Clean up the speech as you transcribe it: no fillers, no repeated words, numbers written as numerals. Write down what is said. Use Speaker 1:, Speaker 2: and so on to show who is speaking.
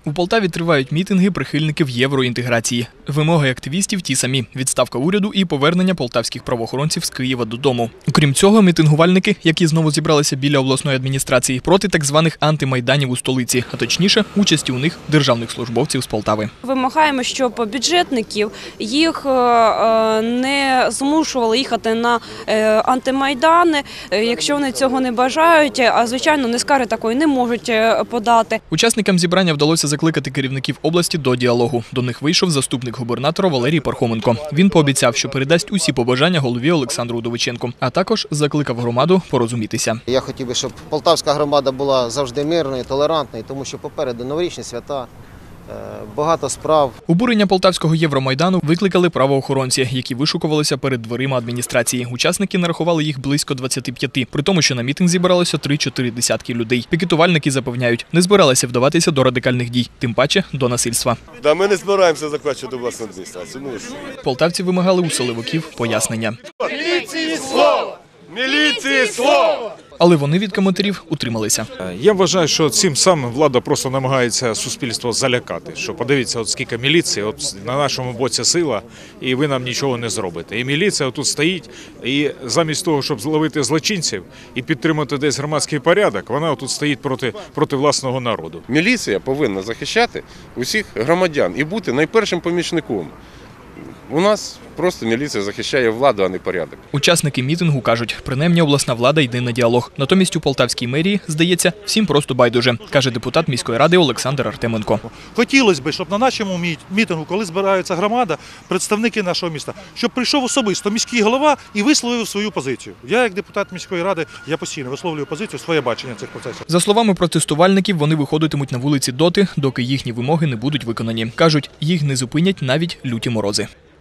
Speaker 1: У Полтаві тривають мітинги прихильників євроінтеграції. Вимоги активістів ті самі – відставка уряду і повернення полтавських правоохоронців з Києва додому. Окрім цього, мітингувальники, які знову зібралися біля обласної адміністрації, проти так званих антимайданів у столиці, а точніше, участі у них державних службовців з Полтави.
Speaker 2: Вимагаємо, щоб бюджетників їх не змушували їхати на антимайдани, якщо вони цього не бажають, а звичайно, не скарги такої не можуть подати.
Speaker 1: Учасникам зібрання вдалося закликати керівників області до діалогу. До них вийшов заступник губернатора Валерій Пархоменко. Він пообіцяв, що передасть усі побажання голові Олександру Удовиченку, а також закликав громаду порозумітися.
Speaker 3: Я хотів би, щоб полтавська громада була завжди мирною, толерантною, тому що попереду новорічні свята. Багато справ.
Speaker 1: Обурення полтавського Євромайдану викликали правоохоронці, які вишукувалися перед дверима адміністрації. Учасники нарахували їх близько 25, при тому, що на мітинг зібралося 3-4 десятки людей. Пікетувальники запевняють, не збиралися вдаватися до радикальних дій, тим паче до насильства.
Speaker 4: Да, ми не збираємося захвачувати власну адміністрацію.
Speaker 1: Полтавці вимагали у силовиків пояснення.
Speaker 4: Міліції слово! Міліції слово!
Speaker 1: Але вони від коментарів утрималися.
Speaker 5: Я вважаю, що цим самим влада просто намагається суспільство залякати. Що подивіться, от скільки міліції, от на нашому боці сила, і ви нам нічого не зробите. І міліція тут стоїть, і замість того, щоб зловити злочинців і підтримати десь громадський порядок, вона тут стоїть проти власного народу.
Speaker 4: Міліція повинна захищати усіх громадян і бути найпершим помічником. У нас просто міліція захищає владу, а не порядок.
Speaker 1: Учасники мітингу кажуть, принаймні обласна влада йде на діалог. Натомість у полтавській мерії, здається, всім просто байдуже, каже депутат міської ради Олександр Артеменко.
Speaker 6: Хотілося б, щоб на нашому мітингу, коли збирається громада, представники нашого міста, щоб прийшов особисто міський голова і висловив свою позицію. Я, як депутат міської ради, я постійно висловлюю позицію, своє бачення цих процесів.
Speaker 1: За словами протестувальників, вони виходитимуть на вулиці доти, доки їхні вимоги не будуть виконані. Кажуть, їх не зупинять навіть люті морози.